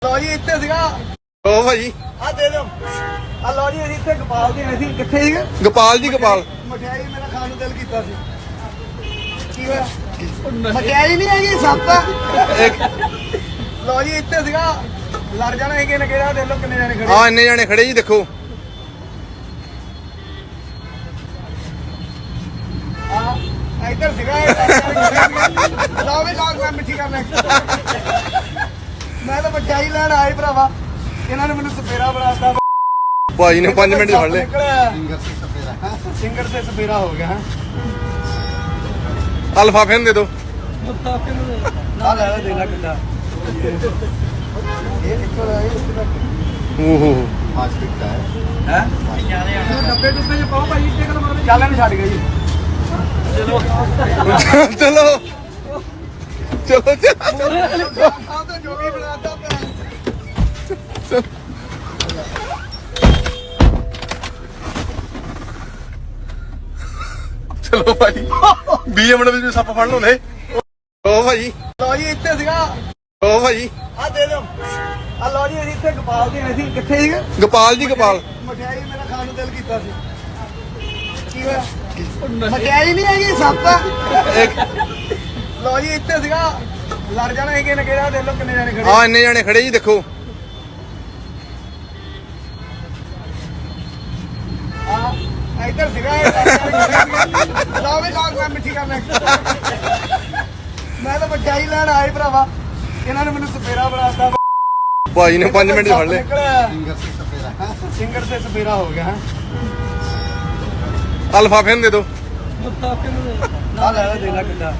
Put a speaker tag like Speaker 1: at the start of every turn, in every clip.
Speaker 1: ਲੋ ਜੀ ਇੱਥੇ ਸੀਗਾ
Speaker 2: ਓ ਭਾਜੀ
Speaker 1: ਆ ਦੇ ਦਿਓ ਆ ਲੋ ਜੀ ਅਸੀਂ ਇੱਥੇ ਗੋਪਾਲ ਦੇ ਅਸੀਂ ਕਿੱਥੇ ਸੀਗੇ
Speaker 2: ਗੋਪਾਲ ਜੀ ਗੋਪਾਲ
Speaker 1: ਮਠਿਆਈ ਮੇਰਾ ਖਾਣ ਨੂੰ ਦਿਲ ਕੀਤਾ ਸੀ ਕੀ ਹੋਇਆ ਮਠਿਆਈ ਨਹੀਂ ਹੈਗੀ ਸੱਤ ਲੋ ਜੀ ਇੱਥੇ ਸੀਗਾ ਲੜ ਜਾਣਾ ਹੈਗੇ ਨੇ ਕਿਹੜਾ ਦੇ ਲੋ ਕਿੰਨੇ ਜਾਣੇ ਖੜੇ
Speaker 2: ਹਾਂ ਇੰਨੇ ਜਾਣੇ ਖੜੇ ਜੀ ਦੇਖੋ
Speaker 1: ਆ ਇੱਧਰ ਸੀਗਾ ਲਓ ਵੀ ਲਾਗ ਮੈਂ ਮਿੱਠੀ ਕਰਨਾ ਮੈਂ ਤਾਂ ਮਠਿਆਈ ਲੈਣ ਆਏ ਭਰਾਵਾ ਇਹਨਾਂ ਨੇ ਮੈਨੂੰ ਸਪੇਰਾ ਬਣਾਤਾ
Speaker 2: ਭਾਈ ਨੇ 5 ਮਿੰਟ 'ਚ ਫੜ ਲਏ
Speaker 1: ਸਿੰਗਰ ਸੇ ਸਪੇਰਾ ਹੋ ਗਿਆ
Speaker 2: ਆ ਲਿਫਾਫੇ ਨੂੰ ਦੇ ਦਿਓ
Speaker 1: ਨਾ ਲੈ ਦੇ ਲੈ ਕਿੱਦਾਂ ਇਹ ਇੱਕੋ ਦਾ
Speaker 2: ਓ ਹੋ
Speaker 1: ਹੈ ਡੱਬੇ ਡੁੱਬੇ ਚ ਪਾਓ ਭਾਈ ਟੇਕਲ ਮਾਰਦੇ ਚੱਲ ਇਹਨੂੰ ਛੱਡ ਗਏ ਜੀ ਚਲੋ
Speaker 2: ਚਲੋ ਚਲੋ
Speaker 1: ਆਹ ਤਾਂ ਜੋਗੀ ਬਣਾਤਾ
Speaker 2: ਚਲੋ ਭਾਜੀ 20 ਮਿੰਟ ਵਿੱਚ ਸੱਪ ਫੜ ਲਾਉਂਦੇ ਓ ਭਾਜੀ
Speaker 1: ਲੋ ਜੀ ਇੱਥੇ ਸੀਗਾ
Speaker 2: ਓ ਭਾਜੀ
Speaker 1: ਆ ਦੇ ਦਿਓ ਆ ਲੋ ਜੀ ਅਸੀਂ ਇੱਥੇ ਗੋਪਾਲ ਦੇ ਅਸੀਂ ਕਿੱਥੇ ਸੀਗੇ
Speaker 2: ਗੋਪਾਲ ਜੀ ਗੋਪਾਲ
Speaker 1: ਮਠਿਆਈ ਮੇਰਾ ਖਾਣ ਨੂੰ ਦਿਲ ਕੀਤਾ ਸੀ ਕੀ ਹੋਇਆ ਮਠਿਆਈ ਨਹੀਂ ਹੈਗੀ ਸੱਤ ਲੋ ਜੀ ਇੱਥੇ ਸੀਗਾ ਲੜ ਜਾਣਾ ਹੈਗੇ ਨੇ ਕਿਹੜਾ ਦੇ ਲੋ ਕਿੰਨੇ ਜਾਣੇ ਖੜੇ
Speaker 2: ਹਾਂ ਇੰਨੇ ਜਾਣੇ ਖੜੇ ਜੀ ਦੇਖੋ
Speaker 1: ਆ ਇੱਧਰ ਸੀਗਾ ਲਓ ਵੀ ਲਾਗ ਮੈਂ ਮਿੱਠੀ ਕਰਨਾ ਮੈਂ ਤਾਂ ਮਠਿਆਈ ਲੈਣ ਆਏ ਭਰਾਵਾ ਇਹਨਾਂ ਨੇ ਮੈਨੂੰ ਸਪੇਰਾ ਬਣਾਤਾ
Speaker 2: ਭਾਈ ਨੇ 5 ਮਿੰਟ 'ਚ ਫੜ ਲਏ
Speaker 1: ਸਿੰਗਰ ਸੇ ਸਪੇਰਾ ਹੋ ਗਿਆ
Speaker 2: ਆ ਲਿਫਾਫੇ ਨੂੰ ਦੇ ਦਿਓ
Speaker 1: ਨਾ ਲੈ ਦੇ ਲੈ ਕਿੱਦਾਂ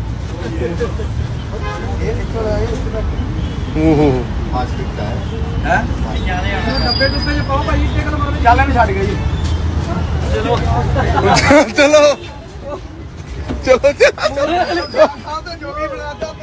Speaker 1: ਇਹ ਇੱਕੋ ਦਾ
Speaker 2: ਓ ਹੋ
Speaker 1: ਹੈ ਡੱਬੇ ਡੁੱਬੇ ਚ ਪਾਓ ਭਾਈ ਟੇਕਲ ਮਾਰਦੇ ਚੱਲ ਇਹਨੂੰ ਛੱਡ ਗਏ ਜੀ ਚਲੋ
Speaker 2: ਚਲੋ ਚਲੋ
Speaker 1: ਆਹ ਤਾਂ ਜੋਗੀ ਬਣਾਤਾ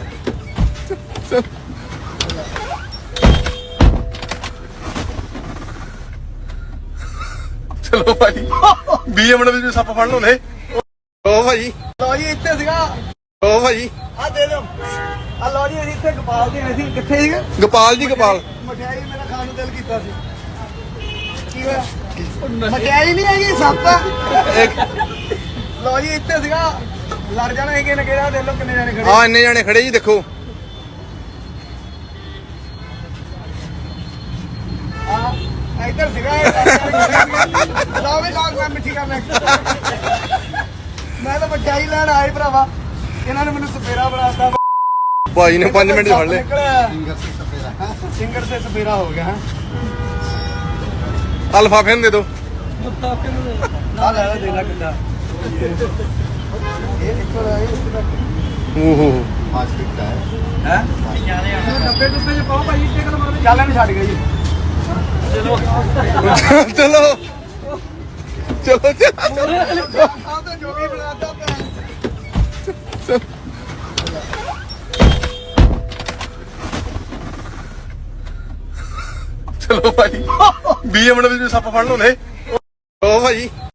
Speaker 2: ਚਲੋ ਭਾਜੀ 20 ਮਿੰਟ ਵਿੱਚ ਸੱਪ ਫੜ ਲਾਉਂਦੇ ਓ ਭਾਜੀ
Speaker 1: ਲੋ ਜੀ ਇੱਥੇ ਸੀਗਾ
Speaker 2: ਓ ਭਾਜੀ
Speaker 1: ਆ ਦੇ ਦਿਓ ਆ ਲੋ ਜੀ ਅਸੀਂ ਇੱਥੇ ਗੋਪਾਲ ਦੇ ਅਸੀਂ ਕਿੱਥੇ ਸੀਗੇ
Speaker 2: ਗੋਪਾਲ ਜੀ ਗੋਪਾਲ
Speaker 1: ਮਠਿਆਈ ਮੇਰਾ ਖਾਣ ਨੂੰ ਦਿਲ ਕੀਤਾ ਸੀ ਕੀ ਹੋਇਆ ਮਠਿਆਈ ਨਹੀਂ ਹੈਗੀ ਸੱਤ ਲੋ ਜੀ ਇੱਥੇ ਸੀਗਾ ਲੜ ਜਾਣਾ ਹੈਗੇ ਨੇ ਕਿਹੜਾ ਦੇ ਲੋ ਕਿੰਨੇ ਜਾਣੇ ਖੜੇ
Speaker 2: ਹਾਂ ਇੰਨੇ ਜਾਣੇ ਖੜੇ ਜੀ ਦੇਖੋ
Speaker 1: ਆ ਇੱਧਰ ਸੀਗਾ ਲਓ ਵੀ ਲਾਗ ਮੈਂ ਮਿੱਠੀ ਕਰਨਾ ਮੈਂ ਤਾਂ ਮਠਿਆਈ ਲੈਣ ਆਏ ਭਰਾਵਾ ਇਹਨਾਂ ਨੇ ਮੈਨੂੰ ਸਪੇਰਾ ਬਣਾਤਾ
Speaker 2: ਭਾਈ ਨੇ 5 ਮਿੰਟ 'ਚ ਫੜ ਲਏ
Speaker 1: ਸਿੰਗਰ ਸੇ ਸਪੇਰਾ ਹੋ ਗਿਆ
Speaker 2: ਆ ਲਿਫਾਫੇ ਨੂੰ ਦੇ ਦਿਓ
Speaker 1: ਨਾ ਲੈ ਦੇ ਲੈ ਕਿੱਦਾਂ ਇਹ ਇੱਕੋ ਦਾ
Speaker 2: ਓ ਹੋ
Speaker 1: ਹੈ ਡੱਬੇ ਡੁੱਬੇ ਚ ਪਾਓ ਭਾਈ ਟੇਕਲ ਮਾਰਦੇ ਚੱਲ ਇਹਨੂੰ ਛੱਡ ਗਏ ਜੀ ਚਲੋ
Speaker 2: ਚਲੋ ਚਲੋ
Speaker 1: ਆਹ ਤਾਂ ਜੋਗੀ ਬਣਾਤਾ
Speaker 2: ਚਲੋ ਭਾਜੀ 20 ਮਿੰਟ ਵਿੱਚ ਸੱਪ ਫੜ ਲਾਉਂਦੇ ਓ ਭਾਜੀ